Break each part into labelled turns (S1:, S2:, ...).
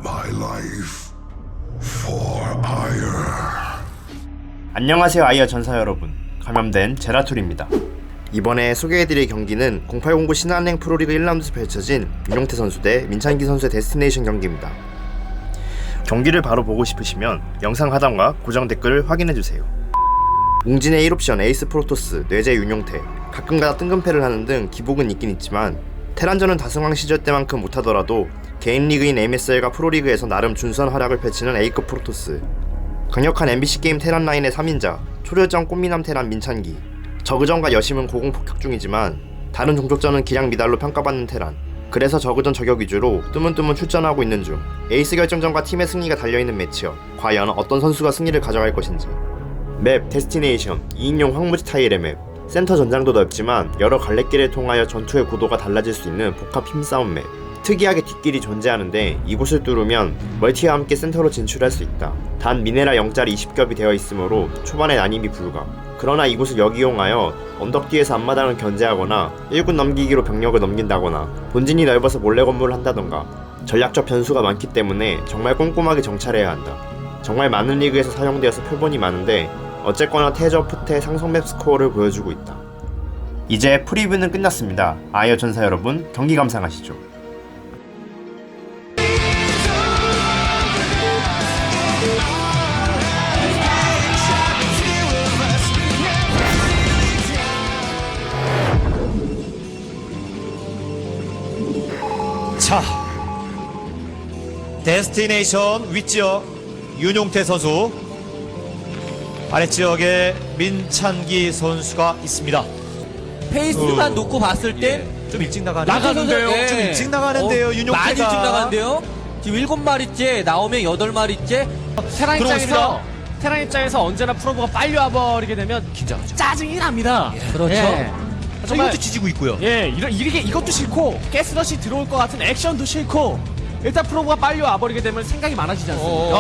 S1: my life for Ire.
S2: 안녕하세요 아이어 전사 여러분, 감염된 제라툴입니다. 이번에 소개해드릴 경기는 0809 신한은행 프로리그 1라운드에서 펼쳐진 윤용태 선수 대 민찬기 선수의 데스티네이션 경기입니다. 경기를 바로 보고 싶으시면 영상 하단과 고정 댓글을 확인해주세요. 웅진의 1옵션 에이스 프로토스, 뇌제 윤용태, 가끔가다 뜬금패를 하는 등 기복은 있긴 있지만 테란전은 다승왕 시절 때만큼 못하더라도 개인 리그인 MSL과 프로리그에서 나름 준수한 활약을 펼치는 A급 프로토스, 강력한 MBC 게임 테란 라인의 3인자, 초절정 꽃미남 테란 민찬기, 저그전과 여심은 고공폭격 중이지만 다른 종족전은 기량 미달로 평가받는 테란, 그래서 저그전 저격 위주로 뜨문뜨문 출전하고 있는 중 에이스 결정전과 팀의 승리가 달려있는 매치업, 과연 어떤 선수가 승리를 가져갈 것인지. 맵 데스티네이션 2인용 황무지 타일의 맵, 센터 전장도 넓지만 여러 갈래길을 통하여 전투의 구도가 달라질 수 있는 복합 힘싸움 맵, 특이하게 뒷길이 존재하는데 이곳을 뚫으면 멀티와 함께 센터로 진출할 수 있다. 단 미네랄 0짜리 20겹이 되어 있으므로 초반에 난입이 불가. 그러나 이곳을 역이용하여 언덕 뒤에서 앞마당을 견제하거나 1군 넘기기로 병력을 넘긴다거나 본진이 넓어서 몰래 건물을 한다던가 전략적 변수가 많기 때문에 정말 꼼꼼하게 정찰해야 한다. 정말 많은 리그에서 사용되어서 표본이 많은데 어쨌거나 태저 푸테 상성맵 스코어를 보여주고 있다. 이제 프리뷰는 끝났습니다. 아이어 전사 여러분, 경기 감상하시죠.
S3: 자, 데스티네이션 윗지역 윤용태 선수, 아랫지역에 민찬기 선수가 있습니다.
S4: 페이스만 놓고 봤을 땐
S3: 좀 일찍
S4: 나가는데요.
S3: 좀 일찍 나가는데요. 윤용태가
S4: 많이 일찍 나가는데요. 지금 7마리째 나오면 8마리째.
S5: 테란 입장에서 언제나 프로브가 빨리 와버리게 되면
S3: 긴장하죠.
S5: 짜증이 납니다.
S4: 그렇죠.
S5: 정말
S3: 이것도 지지고 있고요.
S5: 이것도 싫고 가스러시 들어올 것 같은 액션도 싫고 일단 프로브가 빨리 와버리게 되면 생각이 많아지지 않습니까?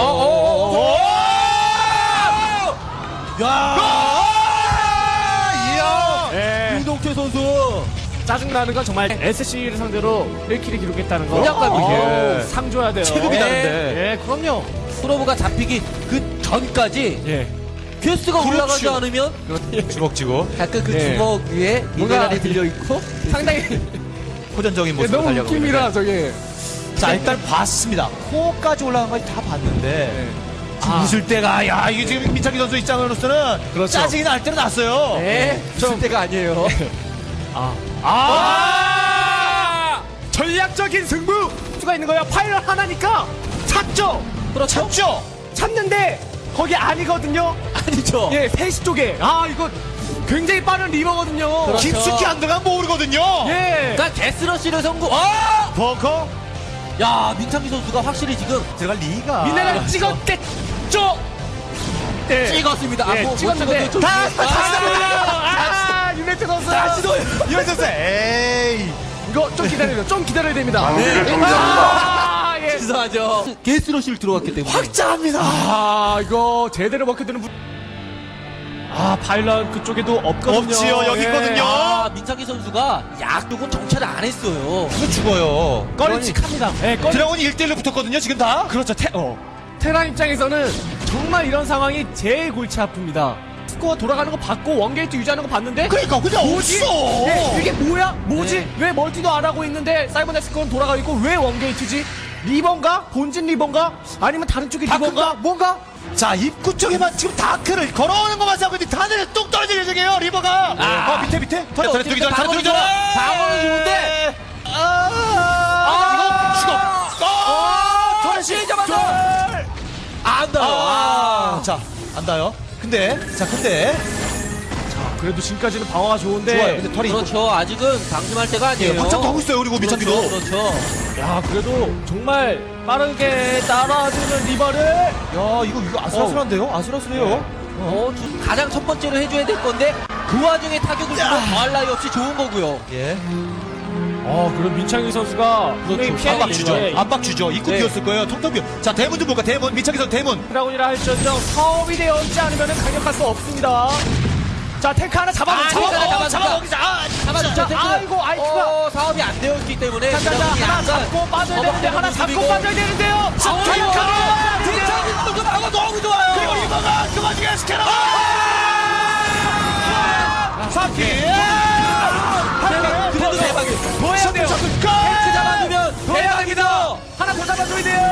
S5: 예.
S4: 윤동태 선수
S5: 짜증나는 건 정말 SC를 상대로 1킬을 기록했다는 거.
S4: 긴장감이죠.
S5: 상 줘야 돼요.
S3: 체급이다는데.
S5: 예, 그럼요.
S4: 프로브가 잡히기 그 전까지
S5: 예.
S4: 퀘스트가 올라가지
S3: 그렇죠.
S4: 않으면
S3: 주먹 쥐고
S4: 약간 그
S5: 예.
S4: 주먹 위에 미네랄이 들려있고
S5: 상당히
S3: 호전적인 모습을
S5: 너무
S3: 달려가고
S5: 웃깁니다,
S3: 있는데.
S5: 저게.
S3: 자, 일단 봤습니다. 코어까지 올라간 거 다 봤는데 지금
S5: 아.
S3: 웃을 때가, 야, 이게 지금 민찬기 선수 입장으로서는
S5: 그렇죠.
S3: 짜증이 날 때는 났어요.
S5: 예.
S4: 웃을 때가 아니에요.
S5: 전략적인 승부가 있는 거야. 파일럿 하나니까 찾죠.
S4: 그렇죠.
S3: 참죠.
S5: 찾는데 거기 아니거든요.
S4: 아니죠.
S5: 예, 3시 쪽에. 이거 굉장히 빠른 리버거든요.
S4: 그렇죠.
S3: 깊숙이 안 들어가면 모르거든요.
S5: 예.
S4: 그러니까 데스러시를 성공.
S3: 버커
S4: 야, 민창기 선수가 확실히 지금
S3: 들어갈 리가.
S5: 미네랄 찍었겠죠. 예.
S4: 찍었습니다.
S5: 예,
S4: 못
S5: 찍었는데
S4: 찍었는데
S5: 유네트 선수.
S3: 이현 선수, 에이.
S5: 이거 좀 기다려요. 좀 기다려야 됩니다.
S1: 경기를 정리합니다.
S5: 예.
S4: 이상하죠. 게스러시를 들어갔기 때문에.
S3: 확장합니다.
S5: 이거 제대로 먹혀드는 파일럿 그쪽에도 없거든요.
S3: 없지요. 여기
S5: 예.
S3: 있거든요.
S4: 민창기 선수가 약속은 정찰을 안 했어요.
S3: 이거 죽어요.
S5: 꺼리칙합니다. 예,
S3: 드래곤이 1대1로 붙었거든요, 지금 다.
S5: 그렇죠. 테란 입장에서는 정말 이런 상황이 제일 골치 아픕니다. 스코어 돌아가는 거 봤고 원게이트 유지하는 거 봤는데
S3: 그러니까 그냥
S5: 뭐지?
S3: 없어.
S5: 예, 이게 뭐야? 뭐지?
S4: 네.
S5: 왜 멀티도 안 하고 있는데 사이버넥스코는 돌아가고 있고 왜 원게이트지? 리버인가? 본진 리버인가? 아니면 다른 쪽의 리버인가? 뭔가?
S3: 자, 입구 쪽에만 지금 다크를 걸어오는 것만 하고 있는데 하늘에 뚝 떨어질 예정이에요, 리버가. 밑에. 터렛 들기 전에, 터렛 들기 전에.
S4: 방어는 좋은데.
S3: 이거 죽어.
S4: 터렛이 잡았어. 안 닿아요.
S3: 자, 안다요. 근데.
S5: 그래도 지금까지는 방어가 좋은데
S3: 좋아요. 근데 털이.
S4: 그렇죠. 아직은 방심할 때가 아니에요.
S3: 확장 더 하고 있어요, 그리고 민찬기도.
S4: 그렇죠.
S5: 야, 그래도 정말 빠르게 따라주는 리버를
S3: 야, 이거 아슬아슬한데요? 아슬아슬해요.
S4: 가장 첫 번째로 해줘야 될 건데 그 와중에 타격을 주면 더할 나위 없이 좋은 거고요.
S3: 예.
S5: 그리고 민창기 선수가 분명히 피해가
S3: 압박 주죠.
S5: 있는데
S3: 압박 주죠. 입구
S5: 네.
S3: 비었을 거예요. 텅텅 비어. 자, 대문 좀 볼까? 대문. 민창기 선수 대문.
S5: 드라군이라 할지언정 사업이 되어 있지 않으면 강력할 수 없습니다. 자, 탱크 하나 잡아먹자.
S4: 잡아줬죠.
S5: 아이고, 아이쿠가.
S4: 사업이 안 되었기 때문에
S5: 자, 하나 잡고 빠져야 되는데, 하나 잡고 빠져야 되는데요. 자, 탱크
S4: 하고 너무 좋아요.
S3: 그리고 리버가 그 와중에 스캐너. 사키.
S4: 그래도 대박이에요.
S5: 뭐 해야 돼요?
S4: 탱크 잡아주면 대박이다.
S5: 하나 더 잡아줘야 돼요.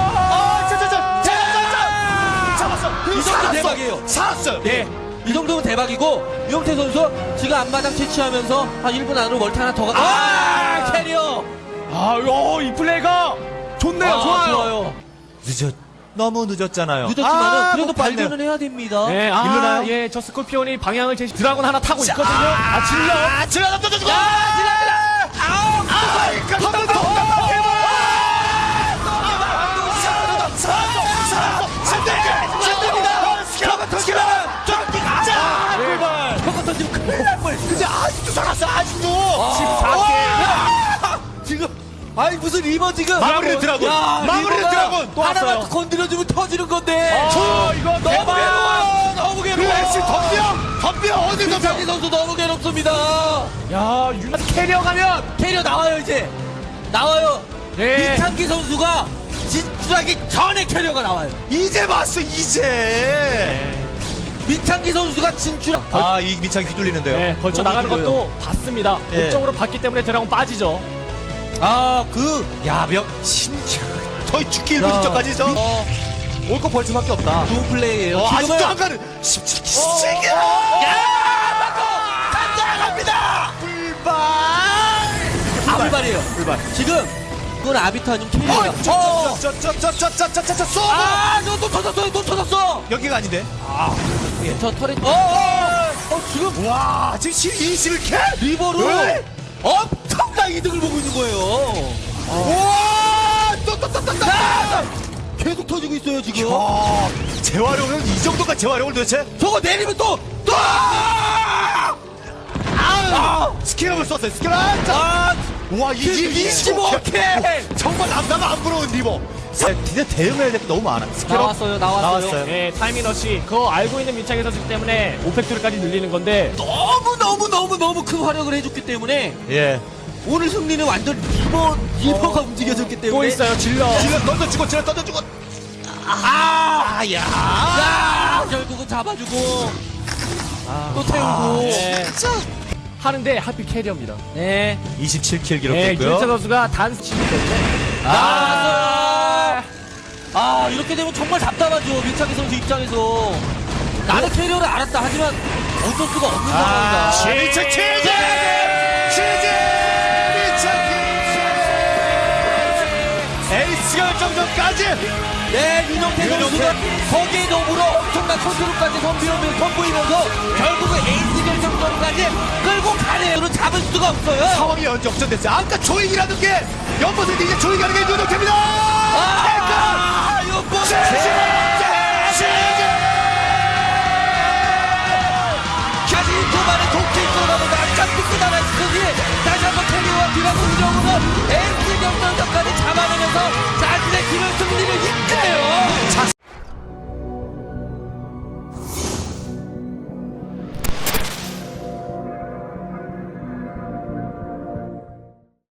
S3: 잡았어.
S4: 이 정도 대박이에요.
S3: 살았어요.
S5: 예.
S4: 이 정도면 대박이고 유영태 선수 지금 앞마당 채취하면서 한 1분 안으로 멀티 하나 더 가. 캐리어.
S5: 이 플레이가 좋네요. 좋아요.
S3: 너무 늦었잖아요.
S4: 늦었지만은 그래도
S3: 못 봤네요.
S4: 발견은 해야 됩니다.
S5: 예,
S3: 일루나요?
S5: 예, 저 스콜피온이 방향을 제시. 드라곤 하나 타고 있거든요. 질러.
S3: 질러 던져주고. 근데 아직도 살았어. 아직도.
S5: 14개.
S4: 지금 아니 무슨 리버 지금
S3: 마무리는 드라곤. 마무리는
S4: 리버가
S3: 드라곤.
S5: 또
S4: 하나만
S5: 왔어요.
S4: 건드려주면 터지는 건데.
S5: 이거
S4: 너무
S5: 대박.
S4: 괴로워요. 너무 괴로워.
S3: 역시 덤벼 어디 덤벼.
S4: 민창기 선수 너무 괴롭습니다.
S5: 야, 캐리어 가면.
S4: 캐리어 나와요 이제. 나와요.
S5: 네.
S4: 민창기 선수가 진출하기 전에 캐리어가 나와요.
S3: 이제 봤어 이제.
S4: 민창기 선수가 진출.
S3: 이 민창이 휘둘리는데요.
S5: 네, 걸쳐
S4: 너무
S5: 나가는
S4: 힘들어요.
S5: 것도 봤습니다.
S3: 예.
S5: 목적으로 봤기 때문에 드라곤 빠지죠.
S3: 야병 진짜 거의 죽기 일부 직전까지죠. 올거 벌 수밖에 없다.
S4: 좋은 플레이예요.
S3: 아직도 안 가는 17기. 간다갑니다. 불발.
S4: 아불발이에요.
S3: 불발.
S4: 지금 이건 아비타늄 캐리어가.
S3: 저저저저저저저 쏘.
S4: 너 터졌어.
S3: 여기가 아닌데.
S4: 저 털에. 지금
S3: 와 지금 21캐
S4: 리버로
S3: 왜?
S4: 엄청난 이득을 보고 있는 거예요.
S3: 와또또또또또
S4: 계속 터지고 있어요 지금.
S3: 재활용은 이 정도가 재활용을 도대체?
S4: 저거 내리면 또.
S3: 스킬업을 썼어요. 스킬업. 와
S4: 25K.
S3: 정말 남자가 안 부러운 리버. 진짜 대응해야 될 게 너무 많아. 스킬업 나왔어요.
S5: 예, 타이밍러시 그거 알고 있는 민창기 선수 때문에 오펙트를까지 늘리는 건데
S4: 너무 큰 활약을 해줬기 때문에
S3: 예.
S4: 오늘 승리는 완전 리버가 움직여졌기
S5: 또
S4: 때문에.
S5: 있어요. 질러.
S3: 질러 던져주고 질러 던져주고.
S4: 야, 결국은 잡아주고 또 태우고.
S5: 예. 하는데 하필 캐리어입니다.
S4: 네.
S3: 27킬
S5: 예,
S3: 기록했고요.
S5: 유영태 선수가 단수치기 때문에
S4: 이렇게 되면 정말 답답하죠. 민창기 선수 입장에서. 나는 캐리어를 알았다 하지만 어쩔 수가 없는 상황이다.
S3: 치즈 에이스 결정전까지.
S4: 네, 윤영태 선수가 거기에 더불어 엄청난 컨트롤까지 선보이면서 결국은 에이스 결정전까지 끌고 가네요. 잡을 수가 없어요.
S3: 상황이 역전됐어요. 아까 조잉이라는 게 연보선이 이제 조잉하는 게 눈높입니다.
S4: 이거 자신 두만의 독킬수로 넘어서 아까 뜯고 나간 스크지 다시 한번 캐리어와 비가 공정으로 에이스 결정전까지 잡아내면서 자신의 기를 승리를